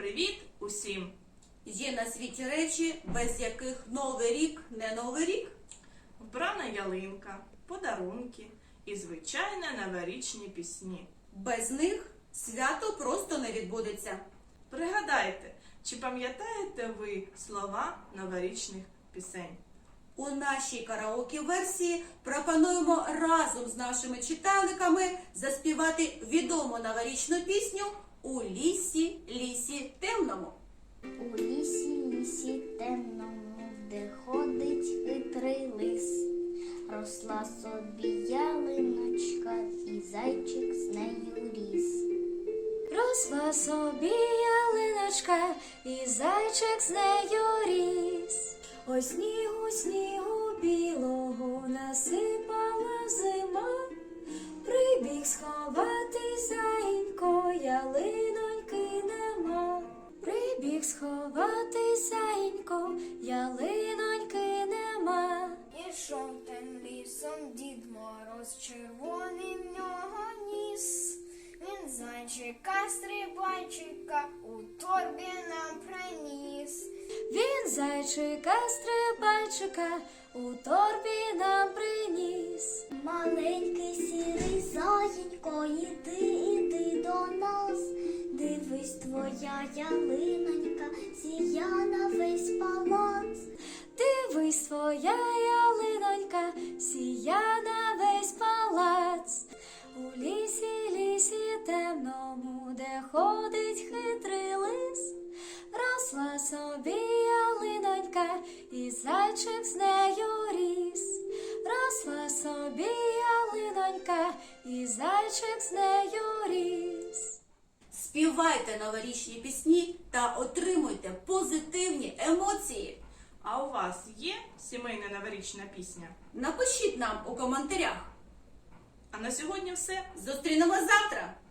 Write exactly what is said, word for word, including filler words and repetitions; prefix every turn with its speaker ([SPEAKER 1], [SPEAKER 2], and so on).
[SPEAKER 1] Привіт усім!
[SPEAKER 2] Є на світі речі, без яких Новий рік не Новий рік.
[SPEAKER 1] Вбрана ялинка, подарунки і, звичайно, новорічні пісні.
[SPEAKER 2] Без них свято просто не відбудеться.
[SPEAKER 1] Пригадайте, чи пам'ятаєте ви слова новорічних пісень?
[SPEAKER 2] У нашій караоке-версії пропонуємо разом з нашими читальниками заспівати відому новорічну пісню «У лісі, лісі темному».
[SPEAKER 3] У лісі, лісі темному, де ходить хитрий лис, росла собі ялиночка, і зайчик з нею ріс.
[SPEAKER 4] Росла собі ялиночка, і зайчик з нею ріс. Ой, снігу, снігу білого насипала зима, прибіг сховати заїнько, ялиноньки нема. Прибіг сховати заїнько, ялиноньки нема.
[SPEAKER 5] Ішов тим лісом Дід Мороз, червоний в нього ніс. Він зайчика, стрибайчика у торбі нам приніс.
[SPEAKER 4] Він зайчика, стрибайчика у торбі нам приніс.
[SPEAKER 3] Маленький сірий заєнько, іди, іди до нас. Дивись, твоя ялинонька сія на весь палац.
[SPEAKER 4] Дивись, твоя ялинонька сія на весь палац. У лісі, лісі темному, де ходить хитрий лис, росла собі ялинонька, і зайчик з нею ріс. Росла собі ялинонька, і зайчик з нею ріс.
[SPEAKER 2] Співайте новорічні пісні та отримуйте позитивні емоції.
[SPEAKER 1] А у вас є сімейна новорічна пісня?
[SPEAKER 2] Напишіть нам у коментарях.
[SPEAKER 1] А на сьогодні все.
[SPEAKER 2] Зустрінемось завтра!